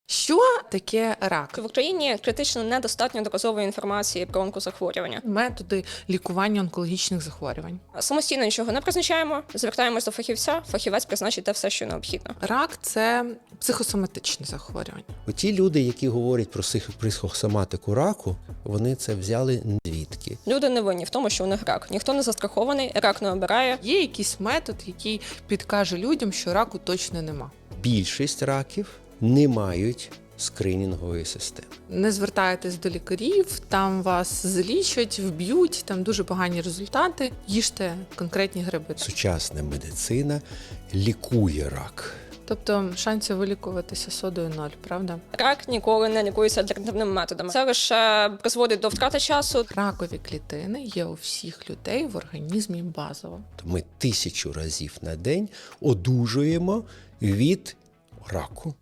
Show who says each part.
Speaker 1: Що таке рак?
Speaker 2: В Україні критично недостатньо доказової інформації про онкозахворювання.
Speaker 1: Методи лікування онкологічних захворювань.
Speaker 2: Самостійно нічого не призначаємо, звертаємось до фахівця, фахівець призначить те все, що необхідно.
Speaker 1: Рак – це психосоматичне захворювання.
Speaker 3: Ті люди, які говорять про психосоматику раку, вони це взяли звідки?
Speaker 2: Люди не винні в тому, що у них рак. Ніхто не застрахований, рак не обирає.
Speaker 1: Є якийсь метод, який підкаже людям, що раку точно нема.
Speaker 3: Більшість раків не мають скринінгової системи.
Speaker 1: Не звертайтесь до лікарів, там вас залічать, вб'ють, там дуже погані результати. Їжте конкретні гриби.
Speaker 3: Сучасна медицина лікує рак.
Speaker 1: Тобто шансів вилікуватися содою 0, правда?
Speaker 2: Рак ніколи не лікується альтернативними методами. Це лише призводить до втрати часу.
Speaker 1: Ракові клітини є у всіх людей в організмі базово.
Speaker 3: Ми 1000 разів на день одужуємо від раку.